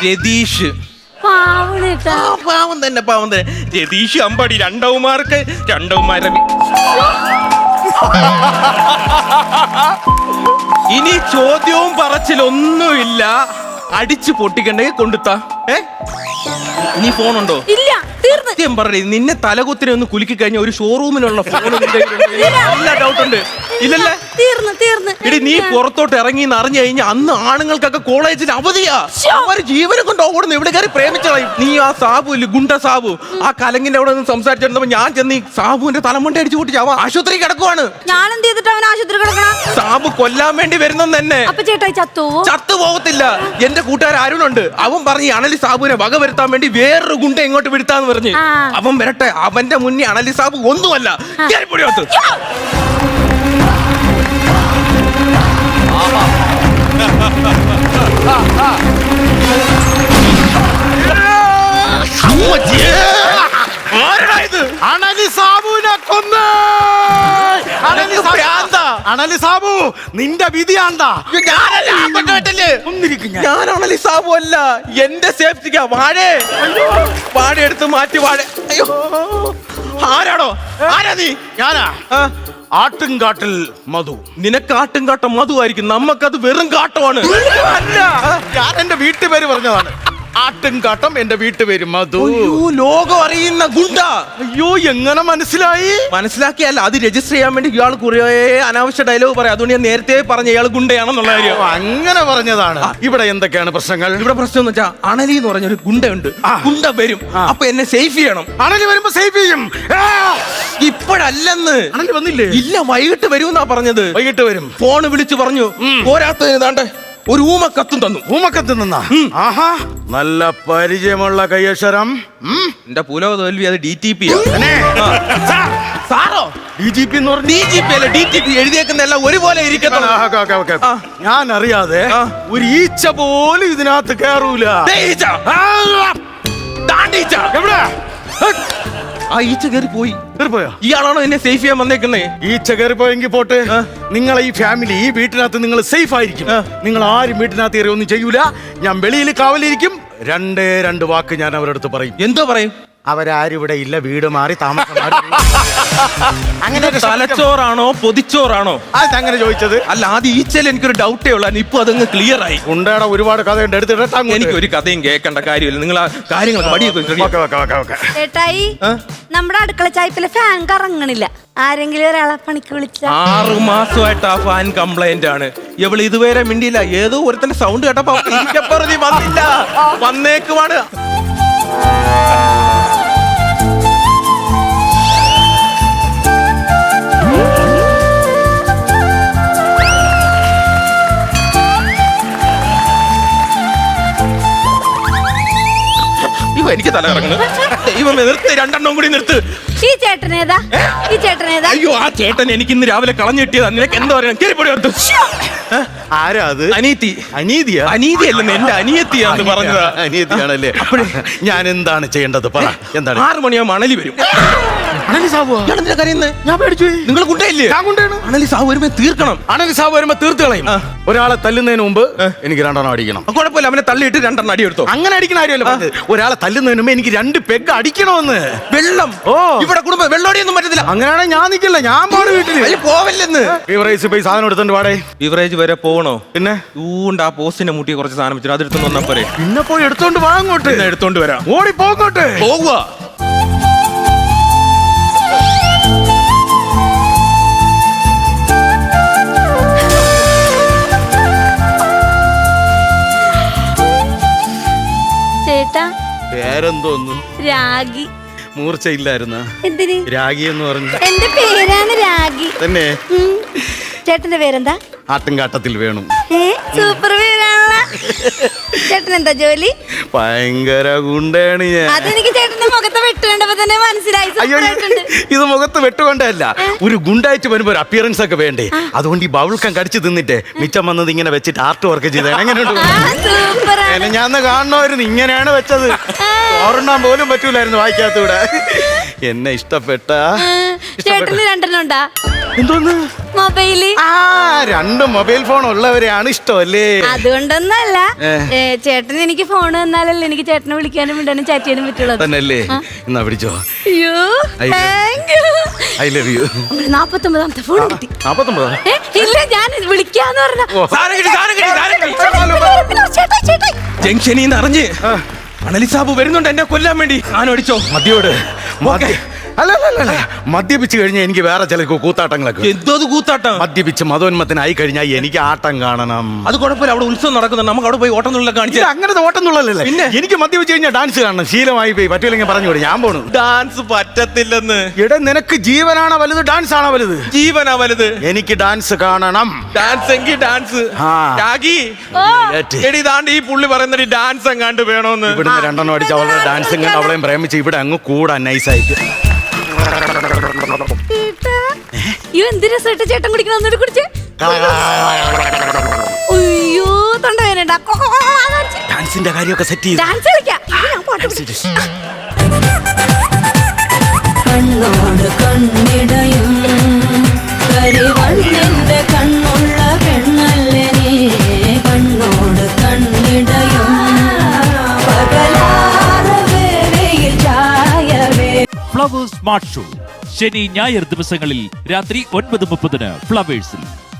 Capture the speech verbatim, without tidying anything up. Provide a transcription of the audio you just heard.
രതീഷ്. പാവം തന്നെ പാവം തന്നെ. രതീഷ് അമ്പടി രണ്ടവന്മാർക്ക് രണ്ടവന്മാരെ. ഇനി ചോദ്യവും പറച്ചിലൊന്നുമില്ല. അടിച്ചു പൊട്ടിക്കണ്ടെങ്കിൽ കൊണ്ടുത്താ. ഏ ഇനി ഫോണുണ്ടോ? ഇല്ല, സത്യം പറയേ, നിന്നെ തലകുത്തിനെ ഒന്ന് കുലുക്കി കഴിഞ്ഞ ഒരു ഷോറൂമിലുള്ള ഫോൺ ഡൗട്ട് ഉണ്ട്. ഇല്ലല്ലേ? തീർന്നു തീർന്നു. ഇടി നീ പുറത്തോട്ട് ഇറങ്ങി അറിഞ്ഞു കഴിഞ്ഞാൽ അന്ന് ആണുങ്ങൾക്കൊക്കെ കോളേജിൽ അവധിയാ. അവര് ജീവനെ കൊണ്ട് ഓടുന്നു. ഇവിടെ കയറി പ്രേമിച്ചതായി. നീ ആ സാബു ഇല്ല, ഗുണ്ട സാബു, ആ കലങ്ങിന്റെ അവിടെ നിന്ന് സംസാരിച്ചിരുന്നപ്പോ ഞാൻ ചെന്ന് ഈ സാബുവിന്റെ തലമുണ്ട അടിച്ചു പൊട്ടിച്ച് അവൻ ആശുപത്രി കിടക്കുവാണ്. ഞാൻ എന്ത് ചെയ്തിട്ട് അവൻ ആശുപത്രി കിടക്കണം? സാബു കൊല്ലാൻ വേണ്ടി വരുന്നെന്ന് തന്നെ. അപ്പൊ ചേട്ടായി ചത്തുവോ? ചത്തു പോകത്തില്ല. എന്റെ കൂട്ടുകാരൻ അരുണുണ്ട്, അവൻ പറഞ്ഞ് അണലി സാബുവിനെ വക വരുത്താൻ വേണ്ടി വേറൊരു ഗുണ്ട ഇങ്ങോട്ട് വിടുത്താന്ന് പറഞ്ഞ്. അവൻ വരട്ടെ, അവന്റെ മുന്നേ അണലി സാബു ഒന്നുമല്ല. കേറിപ്പൊടിയോത്ത് അണലി സാബുവിനെ കൊന്ന്. അണലി സാബു നിന്റെ വിധിയാണ്ടാ. ഞാൻ അണലി സാബു അല്ല, എന്റെ സേഫ്റ്റിക്കാ. വാഴേ വാഴ എടുത്ത് മാറ്റി. വാഴ. അയ്യോ, ആരാണോ? ആരാ നീ? ഞാനാ ആട്ടുംകാട്ടിൽ മധു. നിനക്ക് ആട്ടുംകാട്ടം മധു ആയിരിക്കും, നമ്മക്കത് വെറും കാട്ടമാണ്. അല്ല, ഞാൻ എന്റെ വീട്ടുപേര് പറഞ്ഞതാണ്. ആട്ടുംകാട്ടം എന്റെ വീട്ടുപേര് മധു. ലോകം അറിയുന്ന ഗുണ്ട. അയ്യോ, എങ്ങനെ മനസ്സിലായി? മനസ്സിലാക്കിയല്ല, അത് രജിസ്റ്റർ ചെയ്യാൻ വേണ്ടി ഇയാൾ കുറേ അനാവശ്യ ഡയലോഗ് പറയാം. അതുകൊണ്ട് ഞാൻ നേരത്തെ പറഞ്ഞ ഇയാൾ ഗുണ്ടയാണെന്നുള്ള കാര്യം. അങ്ങനെ പറഞ്ഞതാണ്. ഇവിടെ എന്തൊക്കെയാണ് പ്രശ്നങ്ങൾ? ഇവിടെ പ്രശ്നം എന്ന് വെച്ചാൽ അണലി എന്ന് പറഞ്ഞൊരു ഗുണ്ടയുണ്ട്. ഗുണ്ട വരും, അപ്പൊ എന്നെ സേഫ് ചെയ്യണം. അണലി വരുമ്പോ സേഫ് ചെയ്യും. ഇപ്പോഴല്ലെന്ന്. അണലി വന്നില്ലേ? ഇല്ല, വൈകിട്ട് വരുമെന്നാ പറഞ്ഞത്. വൈകിട്ട് വരും. ഫോണ് വിളിച്ചു പറഞ്ഞു. പോരാത്തതിന് താണ്ടെ ഒരു ഊമക്കത്തും തന്നു. ഊമക്കത്തും തന്നാ? ആഹാ, നല്ല പരിചയമുള്ള കയ്യക്ഷരം. എന്റെ പുലോ തോൽവി അത് ഡി ടി പി. സാറോ? ഡി ജി പി എന്ന് പറഞ്ഞു. ഡി ജി പി അല്ല, ഡി ടി പി. എഴുതിയേക്കുന്ന എല്ലാം ഒരുപോലെ ഇരിക്കട്ടെ. ഞാൻ അറിയാതെ ഒരു ഈച്ച പോലും ഇതിനകത്ത് കേറൂല. എവിടെ ആ ഈച്ച കയറി പോയി. കയറിപ്പോയോ? ഇയാളാണോ എന്നെ സേഫ് ചെയ്യാൻ വന്നേക്കുന്നേ? ഈച്ച കയറിപ്പോയെങ്കിൽ പോട്ടെ. നിങ്ങളെ ഈ ഫാമിലി ഈ വീട്ടിനകത്ത് നിങ്ങൾ സേഫ് ആയിരിക്കും. നിങ്ങൾ ആരും വീട്ടിനകത്ത് കയറി ഒന്നും ചെയ്യൂല. ഞാൻ വെളിയിൽ കാവലിരിക്കും. രണ്ടേ രണ്ട് വാക്ക് ഞാൻ അവരുടെ അടുത്ത് പറയും. എന്തോ പറയും? അവരാരും ഇവിടെ ഇല്ല, വീട് മാറി താമസം. അങ്ങനെ തലച്ചോറാണോ പൊതിച്ചോറാണോ? അതങ്ങനെ ചോദിച്ചത് അല്ല. ആദ്യം ഈച്ചയിൽ എനിക്കൊരു ഡൗട്ടേ ഉള്ളൂ. ഇപ്പൊ അതങ്ങ് ക്ലിയർ ആയി. ഉണ്ടേടാ, ഒരുപാട് കഥയുണ്ട്. എടുത്തിട്ട് എനിക്ക് ഒരു കഥയും കേൾക്കേണ്ട കാര്യമില്ല. നിങ്ങൾ ആ കാര്യങ്ങളൊക്കെ ചേട്ടായി, നമ്മുടെ അടുക്കള ചായപ്പിലെ ഫാൻ കറങ്ങണില്ല. ആരെങ്കിലും ഒരാളെ പണിക്ക് വിളിച്ച. ആറു മാസമായിട്ട് ആ ഫാൻ കംപ്ലൈന്റ് ആണ്. ഇവള് ഇതുവരെ മിണ്ടിയില്ല. ഏതോ ഒരുത്തന്റെ സൗണ്ട് കേട്ടപ്പോ വന്നില്ല. വന്നേക്കുവാണ്. എനിക്ക് തല കറങ്ങുന്നു. ദൈവമേ, നിർത്ത്, രണ്ടെണ്ണം കൂടി നിർത്ത്. ഈ ചേട്ടനേതാ? ഈ ചേട്ടനേതാ? അയ്യോ, ആ ചേട്ടൻ എനിക്ക് ഇന്ന് രാവിലെ കളഞ്ഞു കിട്ടിയതാ. നിനക്ക് എന്താ പറയാ? കേറിപ്പൊടി. ആരാ അത്? അനീതി. അനീതിയാ? അനീതിയല്ലെന്ന്, എന്റെ അനിയത്തിയാന്ന് പറഞ്ഞതാ. അനിയത്തിയാണല്ലേ? അപ്പോഴേ ഞാൻ എന്താണ് ചെയ്യേണ്ടത്? പറ. എന്താണ്? ആറ് മണിയാകുമ്പോ അണലി വരും. അണലി സാബു? ഞാൻ പേടിച്ചു. നിങ്ങൾ കുട്ടയില്ലേ? അണലി സാബു വരുമ്പോ തീർക്കണം. അണലി സാബു വരുമ്പോ തീർത്ത് കളയും. ഒരാളെ തല്ലുന്നതിന് മുമ്പ് എനിക്ക് രണ്ടെണ്ണം അടിക്കണം. കുഴപ്പമില്ല, അവനെ തള്ളിയിട്ട് രണ്ടെണ്ണം അടി എടുത്തോ. അങ്ങനെ അടിക്കണ കാര്യമല്ല. ഒരാളെ തല്ലുന്നതിന് മുമ്പ് എനിക്ക് രണ്ട് പെഗ് അടിക്കണമെന്ന്. വെള്ളം? ഓ, ഇവിടെ കുടുംബം വെള്ളോടിയൊന്നും പറ്റത്തില്ല. അങ്ങനെയാണെങ്കിൽ ഞാൻ നിൽക്കില്ല, ഞാൻ പാട് വീട്ടിൽ പോവല്ലെന്ന്. ബീവറേജ് പോയി സാധനം എടുത്തോണ്ട് പാടേ. ബീവറേജ് വരെ പോകണോ? പിന്നെ ഊണ്ട് ആ പോസ്റ്റിന്റെ മുട്ടി കുറച്ച് സാധനം വെച്ചിട്ട് അതെടുത്തോണ്ട് വന്നാ പോരെ. പിന്നെ പോയി എടുത്തോണ്ട് വാ. അങ്ങോട്ട് എടുത്തോണ്ട് വരാം. ഓടി പോകോട്ടെ. പോകുക. ചേട്ടാ, പേരെന്തോന്നു? രാഗി. മൂർച്ചയില്ലായിരുന്ന എന്തിന് രാഗി എന്ന് പറഞ്ഞു? എന്റെ പേരാണ് രാഗി. തന്നെ? ചേട്ടന്റെ പേരെന്താ? ആട്ടുംകാട്ടത്തിൽ വേണം. സൂപ്പർ പേരാണല്ലോ. ചേട്ടൻ എന്താ ജോലി? ഭയങ്കര ഗുണ്ടയാണ് ഞാൻ. അതെനിക്ക് ചേട്ടന്റെ മുഖത്ത് വെട്ടുകണ്ടപ്പോ തന്നെ മനസ്സിലായി. അയ്യോ, ഇത് മുഖത്ത് വെട്ടുകൊണ്ടല്ല, ഒരു ഗുണ്ടായിട്ട് വരുമ്പോ ഒരു അപ്പിയറൻസ് ഒക്കെ വേണ്ടേ. അതുകൊണ്ട് ഈ ബൗൾക്കം കടിച്ചു തിന്നിട്ട് മിച്ചം വന്നത് ഇങ്ങനെ വെച്ചിട്ട് ആർട്ട് വർക്ക് ചെയ്ത. എങ്ങനെയുണ്ട്? ഞാൻ കാണണമായിരുന്നു. ഇങ്ങനെയാണ് വെച്ചത്. ഓർണ്ണാൻ പോലും പറ്റൂലായിരുന്നു വായിക്കാത്തൂടെ. എന്നെ ഇഷ്ടപ്പെട്ട. ചേട്ടന് രണ്ടെണ്ണം ഉണ്ടാ? എന്തോന്ന്? മൊബൈല്. ആ രണ്ട് മൊബൈൽ ഫോൺ ഉള്ളവരെയാണ് ഇഷ്ടമല്ലേ? അതുകൊണ്ടൊന്നല്ല, ഏ. ഏ, ചേട്ടൻ എനിക്ക് ഫോൺ തന്നാലല്ലേ എനിക്ക് ചേട്ടനെ വിളിക്കാനും വിടാനും ചാറ്റ് ചെയ്യാനും പറ്റുള്ളൂ. തന്നെയല്ലേ? എന്നാ പിടിച്ചോ. അയ്യോ, I love- thank you. I love you. നാപ്പത്തൊമ്പതാമത്തെ ഫോൺ കിട്ടി. നാപ്പത്തൊമ്പതാ? ഏ, ഇല്ല, ഞാൻ വിളിക്കാന്ന് പറഞ്ഞ സാധനം കിട്ടി, സാധനം കിട്ടി, സാധനം കിട്ടി. ചേട്ടാ ചേട്ടാ ജംഗ്ഷനിൽ നിന്ന് അറിഞ്ഞ് അണലി സാബു വരുന്നുണ്ട് എന്നെ കൊല്ലാൻ വേണ്ടി. ഞാൻ അടിച്ചോ മദ്യോട് മദ്യ- അല്ല അല്ല അല്ല, അല്ല മദ്യപിച്ച് കഴിഞ്ഞാൽ എനിക്ക് വേറെ ചില കൂത്താട്ടങ്ങളൊക്കെ. എന്തോ കൂത്താട്ടം. മദ്യപിച്ച് മതോന്മത്തിനായി കഴിഞ്ഞാൽ എനിക്ക് ആട്ടം കാണണം. അത് കുഴപ്പമില്ല, അവിടെ ഉത്സവം നടക്കുന്നുണ്ട്, നമുക്ക് അവിടെ പോയി ഓട്ടം തുള്ളൽ കാണിച്ചു. ഇത് അങ്ങനത്തെ ഓട്ടംന്നുള്ളല്ലേ? പിന്നെ? എനിക്ക് മദ്യപിച്ച് കഴിഞ്ഞാൽ ഡാൻസ് കാണണം, ശീലമായി പോയി. പറ്റൂലെങ്കിൽ പറഞ്ഞു വിടും, ഞാൻ പോണു. ഡാൻസ് പറ്റത്തില്ലെന്ന്. എടാ നിനക്ക് ജീവനാണോ വലുത് ഡാൻസ് ആണോ വലുത്? ജീവനാ വലുത്. എനിക്ക് ഡാൻസ് കാണണം. ഡാൻസ് എങ്കിൽ ഡാൻസ്. ആ. രാഗി, ഏറ്റ്. എടി താണ്ട് ഈ പുള്ളി പറയുന്നത് ഡാൻസ് എങ്ങാണ്ട് വേണോന്ന്. ഇവിടുന്ന് രണ്ടെണ്ണം അടിച്ച് അവളുടെ ഡാൻസും കണ്ട് അവളെയും പ്രേമിച്ച് ഇവിടെ അങ്ങ് കൂടാൻ നൈസായിട്ട്. ചേട്ടാ, അയ്യോ എന്ത് രസമായിട്ട് ചേട്ടൻ കുടിക്കണം, ഒന്നുകൂടി കുടിച്ചേ. അയ്യോ തൊണ്ട വേനണ്ട. ഡാൻസിന്റെ കാര്യമൊക്കെ സെറ്റ് ചെയ്ത് ഡാൻസ് കളിക്കാം. അയ്യോ, ഞാൻ പാട്ട് പാടി. കണ്ണോട് കണ്ണിടയും കരിവണ്ണിന്റെ കണ്ണുള്ള പെണ്ണല്ലേ നീ. കണ്ണോട് കണ്ണിടയും പകലാറ് വേളയിൽ ചായവേ. ഫ്ലവേഴ്സ് സ്മാർട്ട് ഷോ ശനി ഞായർ ദിവസങ്ങളിൽ രാത്രി ഒൻപത് മുപ്പതിന് ഫ്ലവേഴ്സിൽ.